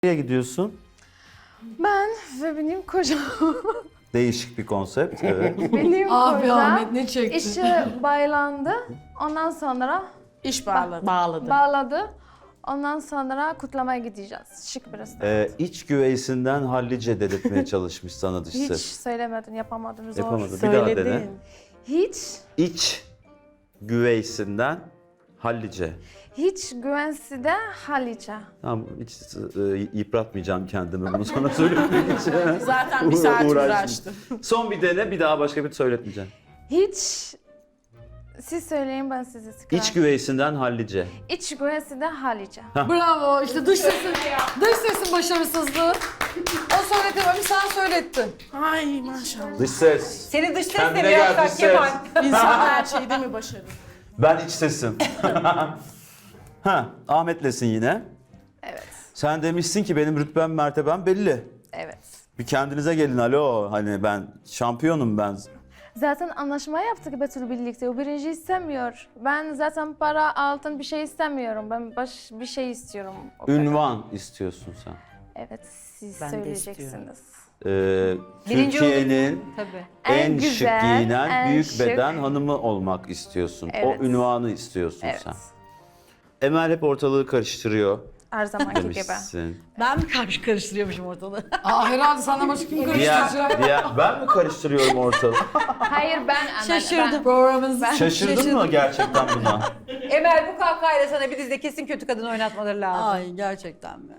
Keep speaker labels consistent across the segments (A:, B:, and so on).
A: Nereye gidiyorsun?
B: Ben ve benim kocam.
A: Değişik bir konsept, evet.
B: Benim
C: Abi
B: kocam
C: Ahmet ne çekti?
B: işe bağlandı. Ondan sonra
D: İş bağladı.
B: bağladı. Ondan sonra kutlamaya gideceğiz. Şık bir restoran.
A: İç güveysinden hallice dedirtmeye çalışmış sana dış
B: Hiç
A: ses.
B: söylemedin, yapamadım. Zor.
A: Yapamadı. Bir daha dene.
D: Söyledin.
B: Hiç,
A: İç güveysinden hallice.
B: hiç güvensi de Halice.
A: Tamam, hiç yıpratmayacağım kendimi bunu sana söylemek için.
D: Zaten bir saat
A: Uğraştım.
D: uğraştım.
A: Son bir dene, bir daha başka bir söyletmeyeceğim.
B: Hiç, siz söyleyin ben size sıkıyorum.
A: İç güveysinden hallice.
B: İç güvensi de Halice.
C: Bravo işte dış sesin başarısızlığı. O söyletememiş sen söylettin.
D: Ay maşallah.
A: Dış ses.
E: Seni dış sesle
A: Kendine
E: biraz
A: gel
E: bak
A: dış ses.
E: Kemal.
D: İnsan her şeyde mi başarır?
A: Ben iç sesim. Ahmet'lesin yine.
B: Evet,
A: Sen demişsin ki benim rütbem mertebem belli.
B: evet.
A: Bir kendinize gelin, alo, hani ben şampiyonum ben.
B: Zaten anlaşma yaptık Betül birlikte. O birinci istemiyor. Ben zaten para, altın bir şey istemiyorum. Ben bir şey istiyorum. O kadar.
A: Ünvan istiyorsun sen.
B: Evet, siz
D: Ben de
B: söyleyeceksiniz.
E: Birinci
A: Türkiye'nin
E: Tabii.
A: en
B: güzel,
A: şık giyinen
B: en
A: büyük
B: şık.
A: beden hanımı olmak istiyorsun.
B: Evet.
A: O ünvanı istiyorsun
B: Evet,
A: sen. Emel hep ortalığı karıştırıyor
B: her zamanki gibi.
A: demişsin.
E: Ben mi karıştırıyormuşum ortalığı?
C: Aa herhalde senden başka kim karıştıracak?
A: Ben mi karıştırıyorum ortalığı?
B: Hayır ben
E: Şaşırdım.
C: Programımız
A: Şaşırdın mı gerçekten buna?
E: Emel bu kahkahayla sana bir dizide kesin kötü kadın oynatmaları lazım.
C: Ay gerçekten mi?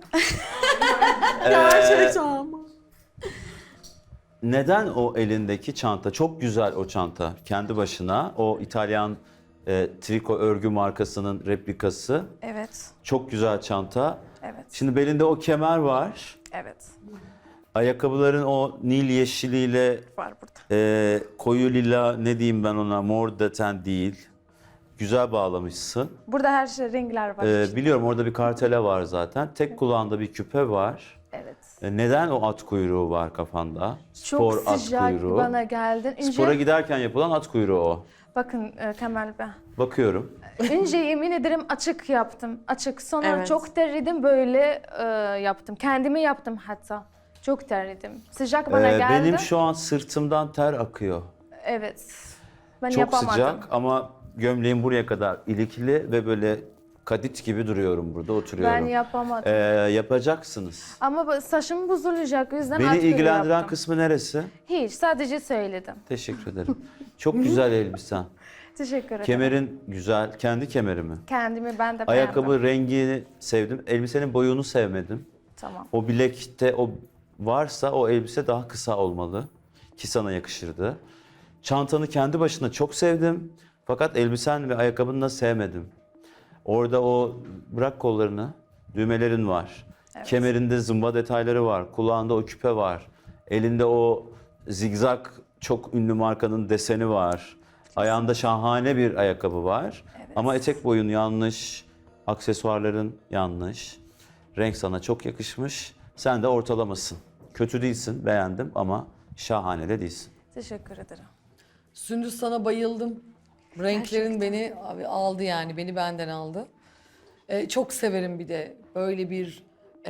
A: Neden o elindeki çanta? Çok güzel o çanta. Kendi başına o İtalyan triko örgü markasının replikası.
B: Evet,
A: Çok güzel çanta.
B: evet,
A: Şimdi belinde o kemer var.
B: evet.
A: Ayakkabıların o nil yeşiliyle
B: Var burada.
A: koyu lila, ne diyeyim ben ona, mor deten değil. Güzel bağlamışsın.
B: Burada her şey renkler var. işte.
A: Biliyorum orada bir kartele var zaten. Tek kulağında bir küpe var.
B: Evet.
A: Neden o at kuyruğu var kafanda?
B: Çok
A: Spor at
B: sıcak
A: kuyruğu.
B: bana geldin. Önce,
A: Spora giderken yapılan at kuyruğu o.
B: bakın Kemal Bey.
A: Bakıyorum.
B: Önce yemin ederim açık yaptım. Açık. Sonra
D: Evet.
B: çok terledim böyle yaptım. Kendimi yaptım hatta. Çok terledim. Sıcak bana geldi.
A: Benim şu an sırtımdan ter akıyor.
B: Evet. Ben
A: Çok
B: yapamadım.
A: sıcak ama gömleğim buraya kadar ilikli ve böyle kadit gibi duruyorum burada, oturuyorum.
B: Ben yapamadım.
A: Yapacaksınız.
B: Ama saçım bozulacak. O yüzden
A: Beni
B: at kuyruğu
A: ilgilendiren
B: yaptım.
A: kısmı neresi?
B: Hiç. Sadece söyledim.
A: Teşekkür ederim. Çok güzel elbisen.
B: Teşekkür ederim.
A: Kemerin güzel. Kendi kemeri mi?
B: Kendimi ben de
A: Ayakkabı
B: beğendim.
A: rengini sevdim. Elbisenin boyunu sevmedim.
B: Tamam.
A: O bilekte o varsa o elbise daha kısa olmalı ki sana yakışırdı. Çantanı kendi başına çok sevdim. Fakat elbisen ve ayakkabını da sevmedim. Orada o, bırak kollarını, düğmelerin var.
B: Evet.
A: Kemerinde zımba detayları var. Kulağında o küpe var. Elinde o zigzag çok ünlü markanın deseni var. Ayağında şahane bir ayakkabı var.
B: Evet.
A: Ama etek boyun yanlış, aksesuarların yanlış. Renk sana çok yakışmış. Sen de ortalamasın. Kötü değilsin, beğendim ama şahane de değilsin.
B: Teşekkür ederim.
C: Sündüz sana bayıldım. Renklerin beni abi aldı yani beni benden aldı. Çok severim bir de böyle bir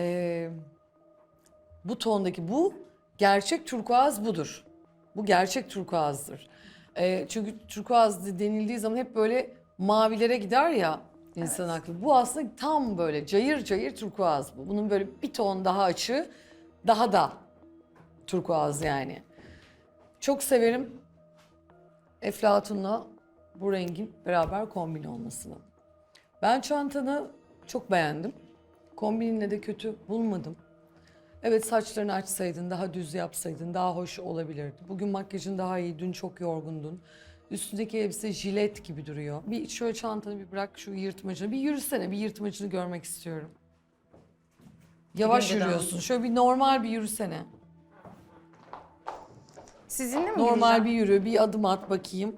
C: bu tondaki bu gerçek turkuaz budur. Bu gerçek turkuazdır. Çünkü turkuaz denildiği zaman hep böyle mavilere gider ya insan aklı. Bu aslında tam böyle cayır cayır turkuaz bu. Bunun böyle bir ton daha açığı daha da turkuaz yani. Çok severim Eflatun'la bu rengin beraber kombin olmasını. Ben çantanı çok beğendim. Kombininle de kötü bulmadım. Evet saçlarını açsaydın, daha düz yapsaydın daha hoş olabilirdi. Bugün makyajın daha iyi, dün çok yorgundun. Üstündeki elbise jilet gibi duruyor. Bir şöyle çantanı bir bırak şu yırtmacını, bir yürüsene, bir yırtmacını görmek istiyorum. Yavaş yürüyorsun, şöyle bir normal bir yürüsene.
B: Sizinle mi
C: Normal
B: gireceğim?
C: bir yürü, bir adım at bakayım.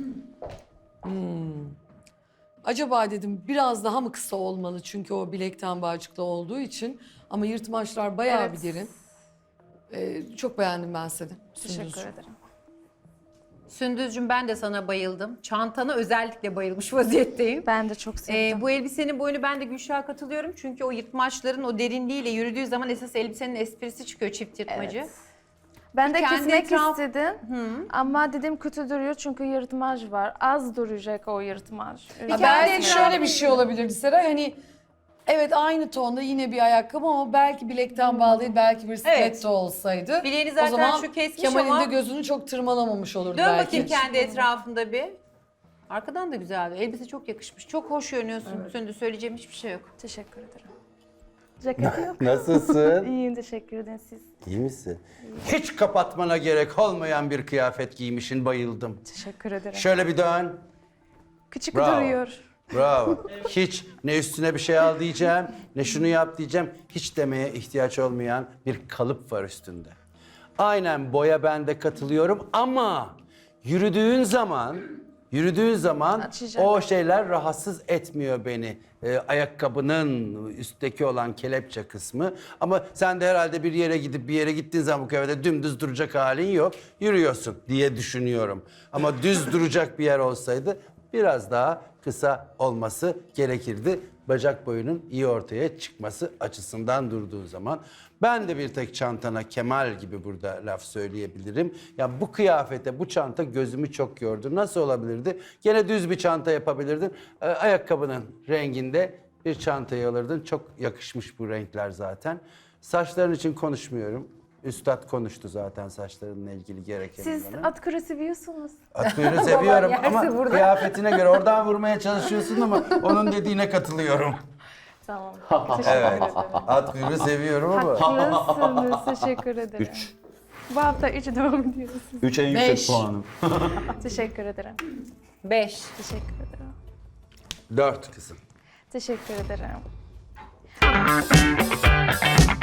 C: Acaba dedim biraz daha mı kısa olmalı çünkü o bilekten bağcıklı olduğu için. Ama yırtmaçlar bayağı
B: Evet.
C: bir derin. Çok beğendim ben seni.
B: Teşekkür
C: Sündüzcüğüm.
B: ederim.
E: Sündüzcüğüm ben de sana bayıldım. Çantana özellikle bayılmış vaziyetteyim.
B: Ben de çok sevdim.
E: Bu elbisenin boyunu ben de Gülşah'a katılıyorum. Çünkü o yırtmaçların o derinliğiyle yürüdüğü zaman esas elbisenin esprisi çıkıyor, çift yırtmacı.
B: Evet. Ben de
E: Kendi
B: kesmek
E: etraf-
B: istedim ama dedim kötü duruyor çünkü yırtmaç var. Az duracak o yırtmaç.
C: Ha, belki şöyle bir şey olabilirdi Seray, hani evet aynı tonda yine bir ayakkabı ama belki bilekten bağlı değil, belki bir stiletto olsaydı.
E: Bileğini
C: O
E: zaten
C: zaman
E: şu kesmiş
C: Kemal'in
E: ama-
C: de gözünü çok tırmalamamış olurdu
E: Dön
C: belki.
E: bakayım kendi etrafında bir. Arkadan da güzeldi. Elbise çok yakışmış. Çok hoş görünüyorsun. Sündüz, söyleyeceğim hiçbir şey yok.
B: Teşekkür ederim. Ceketi yok.
F: Nasılsın?
B: İyiyim, teşekkür ederim siz.
F: İyi misin? Hiç kapatmana gerek olmayan bir kıyafet giymişsin, bayıldım.
B: Teşekkür ederim.
F: Şöyle bir dön.
B: Küçük
F: Bravo.
B: duruyor.
F: Bravo. Hiç ne üstüne bir şey al diyeceğim, ne şunu yap diyeceğim. Hiç demeye ihtiyaç olmayan bir kalıp var üstünde. Aynen boya ben de katılıyorum ama yürüdüğün zaman
B: Açacağım.
F: o şeyler rahatsız etmiyor beni. Ayakkabının üstteki olan kelepçe kısmı. Ama sen de herhalde bir yere gidip bir yere gittiğin zaman bu kıyafette dümdüz duracak halin yok. Yürüyorsun diye düşünüyorum. Ama düz duracak bir yer olsaydı biraz daha kısa olması gerekirdi. Bacak boyunun iyi ortaya çıkması açısından durduğu zaman. Ben de bir tek çantana Kemal gibi burada laf söyleyebilirim. Ya bu kıyafete, bu çanta gözümü çok yordu. Nasıl olabilirdi? Gene düz bir çanta yapabilirdin. Ayakkabının renginde bir çantayı alırdın. Çok yakışmış bu renkler zaten. Saçların için konuşmuyorum. Üstad konuştu zaten saçlarınla ilgili gerekeni
B: Siz
F: bana.
B: atkırı seviyorsunuz.
F: Atkıyı seviyorum
E: yerse
F: ama
E: burada.
F: kıyafetine göre oradan vurmaya çalışıyorsun ama onun dediğine katılıyorum.
B: Tamam. Teşekkür
F: Evet.
B: ederim.
F: Atkıyı seviyorum ama.
B: Haklısınız. Teşekkür ederim.
A: 3.
B: Bu hafta 3 devam ediyoruz.
A: 3 en yüksek
C: Beş.
A: puanım.
B: Teşekkür ederim.
E: 5.
B: Teşekkür ederim.
F: 4 kızım.
B: Teşekkür ederim.